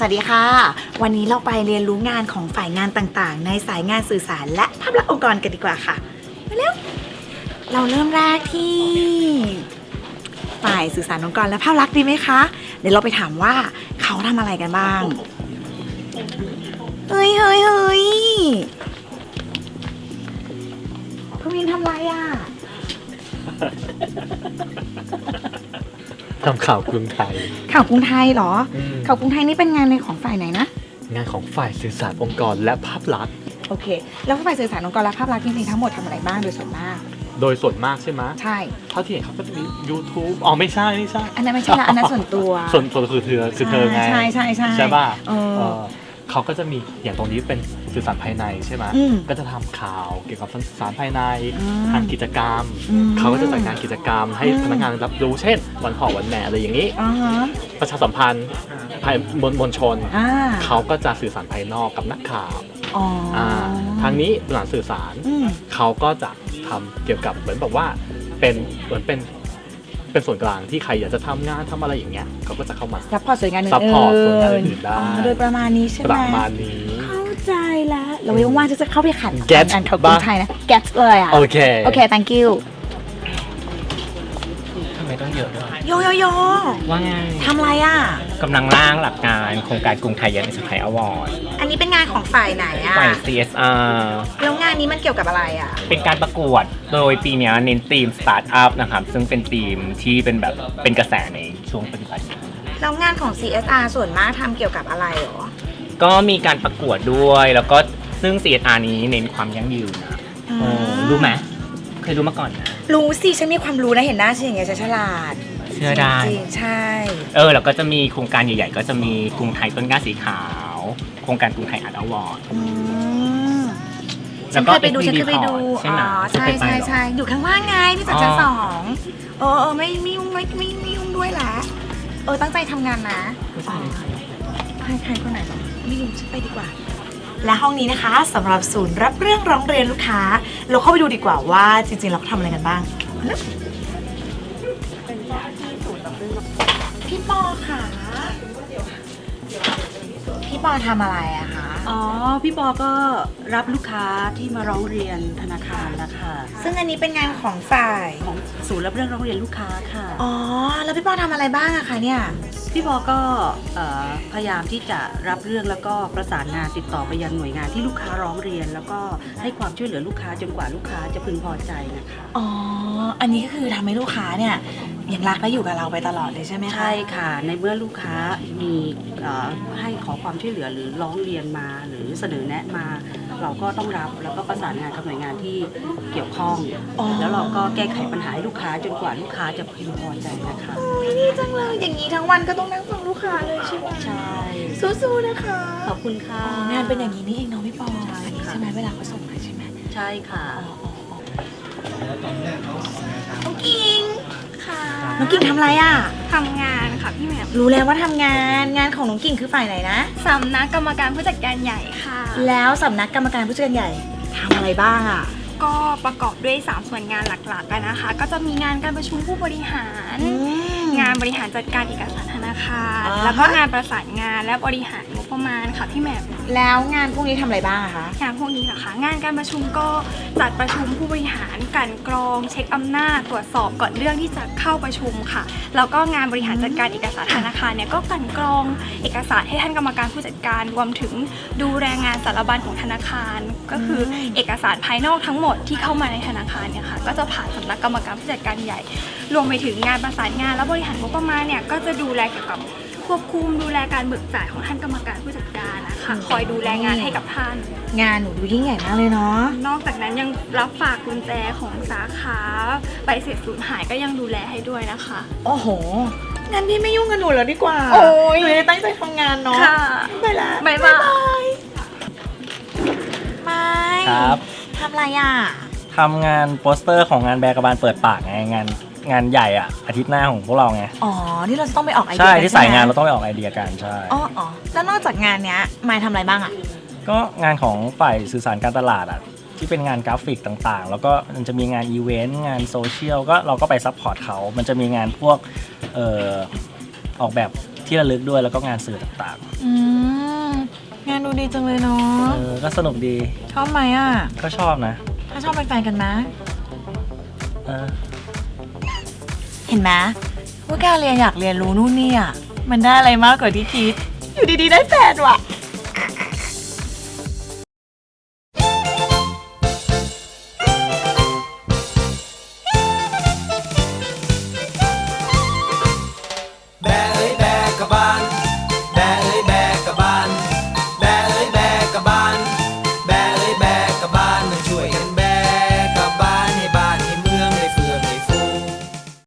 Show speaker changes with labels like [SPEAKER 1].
[SPEAKER 1] วัสดีค่ะวันนี้เราไปเรียนรู้งานของฝ่ายงานต่างๆในสายงานสื่อสารและภาพลักษณ์องค์กรกันดีกว่าค่ะมาเร็วเราเริ่มแรกที่ฝ่ายสื่อสารองค์กรและภาพลักษณ์ดีไหมคะเดี๋ยวเราไปถามว่าเขาทำอะไรกันบ้างเฮ้ยคุณวินทำอะไรอ่ะ
[SPEAKER 2] ทำข่าวกรุงไทย
[SPEAKER 1] ข่าวกรุงไทยเหรอข่าวกรุงไทยนี่เป็นงานในของฝ่ายไหนนะ
[SPEAKER 2] งานของฝ่ายสื่อสารองค์กรและภาพลักษณ์
[SPEAKER 1] โอเคแล้วฝ่ายสื่อสารองค์กรและภาพลักษณ์จริงๆทั้งหมดทำอะไรบ้างโดยส่วนมาก
[SPEAKER 2] ใช่ไหม
[SPEAKER 1] ใช่
[SPEAKER 2] เท่าที่เห็นเขาก็จะมี YouTube อ๋อไม่ใช่
[SPEAKER 1] อันนั้นไม่ใช่ละอันนั้นส่วนตัว
[SPEAKER 2] ส่วนคือเธอไงใช่ป่ะเขาก็จะมีอย่างตรงนี้เป็นสื่อสารภายในใช่ไหมก็จะทำข่าวเกี่ยวกับสื่อสารภายในทางกิจกรรมเขาก็จะจัดงานกิจกรรมให้พนักงานรับรู้เช่นวันพ่อวันแม่อะไรอย่างนี้ประชาสัมพันธ์ภายมวลชนเขาก็จะสื่อสารภายนอกกับนักข่าวทางนี้หลังสื่อสารเขาก็จะทำเกี่ยวกับเหมือนแบบว่าเป็นส่วนกลางที่ใครอยากจะทำงานทำอะไรอย่างเงี้ยเขาก็จะเข้ามา
[SPEAKER 1] ซัพพอร์ตส่วนงานอื่น
[SPEAKER 2] ซัพพอร์ตส่วนงานอื่นได้
[SPEAKER 1] โดยประมาณนี้ใช่ไหม
[SPEAKER 2] ประมาณนี้
[SPEAKER 1] เข้าใจแล้วเราไม่ว่างจะเข้าไปขัดงานข่าวกรุงไทยนะ get เลยอ่ะ
[SPEAKER 2] โอเค
[SPEAKER 1] thank you
[SPEAKER 3] ทำไมต้องเยอะด้วย
[SPEAKER 1] โย
[SPEAKER 3] ว่าไง
[SPEAKER 1] ทำอะไรอ่ะ
[SPEAKER 3] กำลังร่างหลักการโครงการกรุงไทยยันสกายอวอร์ด
[SPEAKER 1] อันนี้เป็นงานของฝ่ายไหนอ่ะ
[SPEAKER 3] ฝ่าย CSR
[SPEAKER 1] แล้วงานนี้มันเกี่ยวกับอะไรอ่ะ
[SPEAKER 3] เป็นการประกวดโดยปีนี้เน้นธีมสตาร์ทอัพนะครับซึ่งเป็นธีมที่เป็นกระแสในช่วงปัจจุบัน
[SPEAKER 1] แล้วงานของ CSR ส่วนมากทำเกี่ยวกับอะไรหรอ
[SPEAKER 3] ก็มีการประกวดด้วยแล้วก็ซึ่ง CSR นี้เน้นความยั่งยืนนะรู้ไหมเคยรู้มาก่อนนะ
[SPEAKER 1] รู้สิฉันมีความรู้นะเห็นหน้าฉันอย่างเงี้ยฉันฉลาด
[SPEAKER 3] เชื่อได้
[SPEAKER 1] จริงใช่
[SPEAKER 3] แล้วก็จะมีโครงการใหญ่ๆก็จะมีกรุงไทยต้นกล้าสีขาวโครงการกรุงไทยอาร์ตอวอร์ด
[SPEAKER 1] ฉันเคยไปดู
[SPEAKER 3] ใช่ไหม
[SPEAKER 1] ใช่อยู่ข้างล่างไงที่จากชั้น2ไม่ยุ่งด้วยละตั้งใจทำงานนะใครคนไหนไม่ยุ่งฉันไปดีกว่าและห้องนี้นะคะสำหรับศูนย์รับเรื่องร้องเรียนลูกค้าเราเข้าไปดูดีกว่าว่าจริงๆเราทำอะไรกันบ้างพี่ปอค่ะพี่ปอทำอะไรอะคะ
[SPEAKER 4] พี่ปอก็รับลูกค้าที่มาร้องเรียนธนาคารนะคะ
[SPEAKER 1] ซึ่งอันนี้เป็นงานของฝ่าย
[SPEAKER 4] ของศูนย์รับเรื่องร้องเรียนลูกค้าค่ะ
[SPEAKER 1] แล้วพี่ปอทำอะไรบ้างอะคะเนี่ย
[SPEAKER 4] พี่ปอก็พยายามที่จะรับเรื่องแล้วก็ประสานงานติดต่อไปยังหน่วยงานที่ลูกค้าร้องเรียนแล้วก็ให้ความช่วยเหลือลูกค้าจนกว่าลูกค้าจะพึงพอใจนะคะ
[SPEAKER 1] อันนี้ก็คือทำให้ลูกค้าเนี่ยยังรักและอยู่กับเราไปตลอดเลยใช่ไหมคะ
[SPEAKER 4] ใช่ค่ะในเมื่อลูกค้ามีให้ขอความช่วยเหลือหรือร้องเรียนมาหรือเสนอแนะมาเราก็ต้องรับแล้วก็ประสานงานกับหน่วยงานที่เกี่ยวข้องแล้วเราก็แก้ไขปัญหาให้ลูกค้าจนกว่าลูกค้าจะพึงพอใจนะคะ
[SPEAKER 1] ดีจังเลยอย่างนี้ทั้งวันก็ต้องนั่งฟังลูกค้าเลยใช่ไหม
[SPEAKER 4] ใช่
[SPEAKER 1] สู้ๆนะคะ
[SPEAKER 4] ขอบคุณค่ะ
[SPEAKER 1] งานเป็นอย่างนี้นี่เองเนาะพี่ปอใช่ไหมเวลาเขาส่งมาใช่ไหม
[SPEAKER 4] ใช่ค่ะ
[SPEAKER 1] น้องกิ่งค่ะน้องกิ่งทำอะไรอ่ะ
[SPEAKER 5] ทำงานค่ะพี่แหม่ม
[SPEAKER 1] รู้แล้วว่าทำงานของน้องกิ่งคือฝ่ายไหนนะ
[SPEAKER 5] สำนักกรรมการผู้จัดการใหญ่ค่ะ
[SPEAKER 1] แล้วสำนักกรรมการผู้จัดการใหญ่ทำอะไรบ้างอ่ะ
[SPEAKER 5] ก็ประกอบด้วย3ส่วนงานหลักๆกันนะคะก็จะมีงานการประชุมผู้บริหารงานบริหารจัดการเอกสารธนาคารแล้วก็งานประสานงานและบริหารงบประมาณค่ะพี่แหม่ม
[SPEAKER 1] แล้วงานพวกนี้ทำอะไรบ้างคะ
[SPEAKER 5] งานพวกนี้เหรอคะงานการประชุมก็จัดประชุมผู้บริหารกลั่นกรองเช็คอำนาจตรวจสอบก่อนเรื่องที่จะเข้าประชุมค่ะแล้วก็งานบริหารจัดการเอกสารธนาคารเนี่ยก็กลั่นกรองเอกสารให้ท่านกรรมการผู้จัดการรวมถึงดูแลงานสารบัญของธนาคารก็คือเอกสารภายนอกทั้งหมดที่เข้ามาในธนาคารเนี่ยค่ะก็จะผ่านสำนักกรรมการผู้จัดการใหญ่รวมไปถึงงานประสานงานและบริหารงบประมาณเนี่ยก็จะดูแลเกี่ยวกับควบคุมดูแลการเบิกจ่ายของท่านกรรมการผู้จัดการนะคะคอยดูแลงานให้กับท่าน
[SPEAKER 1] งานหนูดูยิ่งใหญ่มากเลยเนาะ
[SPEAKER 5] นอกจากนั้นยังรับฝากกุญแจของสาขาใบเสร็จสูญหายก็ยังดูแลให้ด้วยนะคะ
[SPEAKER 1] โอ้โหงั้นพี่ไม่ยุ่งกับหนูแล้วดีกว่าหนูจะตั้งใจทำงานเนาะไปละ
[SPEAKER 5] บ๊ายบาย
[SPEAKER 1] ไม่
[SPEAKER 3] ครับ
[SPEAKER 1] ทำอะไรอ่ะ
[SPEAKER 3] ทำงานโปสเตอร์ของงานแบกบาลเปิดปากไงงานใหญ่อ่ะอาทิตย์หน้าของพวกเราไง
[SPEAKER 1] ที่เราจะต้องไปออกไอเดีย
[SPEAKER 3] ใช่ที่สายงานเราต้องไปออกไอเดียกันใช่
[SPEAKER 1] แล้วนอกจากงานเนี้ยมายทำอะไรบ้างอ่ะ
[SPEAKER 3] ก็งานของฝ่ายสื่อสารการตลาดอ่ะที่เป็นงานกราฟิกต่างๆแล้วก็มันจะมีงานอีเวนต์งานโซเชียลก็เราก็ไปซัพพอร์ตเขามันจะมีงานพวกออกแบบ
[SPEAKER 6] ที่ระลึกด้วยแล้วก็งานสื่อต่าง
[SPEAKER 1] งานดูดีจังเลยเนาะ
[SPEAKER 6] ๆก็สนุกดี
[SPEAKER 1] ชอบไหมอ่ะ
[SPEAKER 6] ก็ชอบนะ
[SPEAKER 1] ถ้าชอบเป็นแฟนกันนะ
[SPEAKER 6] เออ
[SPEAKER 1] เห็นไหมว่าการเรียนอยากเรียนรู้นู่นนี่อ่ะมันได้อะไรมากกว่าที่คิด อยู่ดีๆได้แฟนว่ะ